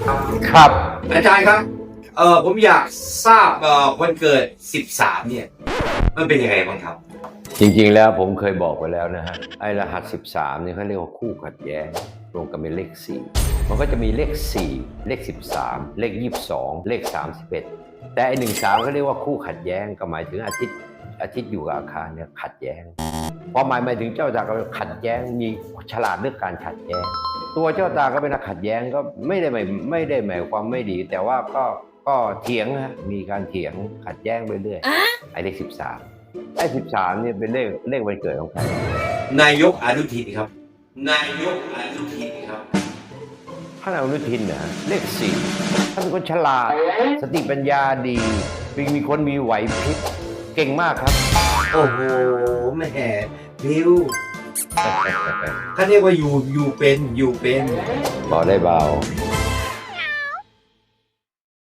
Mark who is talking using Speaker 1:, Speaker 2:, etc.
Speaker 1: ครับ
Speaker 2: อาจารย์ครับผมอยากทราบวันเกิด13เนี่ยมันเป็นยังไงบ้างครับ
Speaker 1: จริงๆแล้วผมเคยบอกไปแล้วนะฮะไอ้รหัส13เนี่ยเขาเรียกว่าคู่ขัดแย้งรวมกันเป็นเลข4มันก็จะมีเลข4เลข13เลข22เลข31แต่ไอ้13เขาเรียกว่าคู่ขัดแย้งก็หมายถึงอาทิตย์อยู่กับอาคารเนี่ยขัดแย้งความหมายถึงเจ้าตาก็ขัดแย้งมีฉลาดเรื่องการขัดแย้งตัวเจ้าตาก็เป็นนักขัดแย้งก็ไม่ได้หมายความไม่ดีแต่ว่าก็เถียงฮะมีการเถียงขัดแย้งไปเรื่อยไอ้เลข13ไอ้13เนี่ยเป็นเลขวันเกิดของใคร
Speaker 2: นายกอนุทินครับนายกอนุทินครับ
Speaker 1: ท่านอนุทินนะเลข4ท่านเป็นคนฉลาดสติปัญญาดีมีคนมีไหวพริบเก่งมากครับ
Speaker 2: โอ้โหแหมบิวเขาเรียกว่าอยู่เป็น
Speaker 1: เบาได้เบา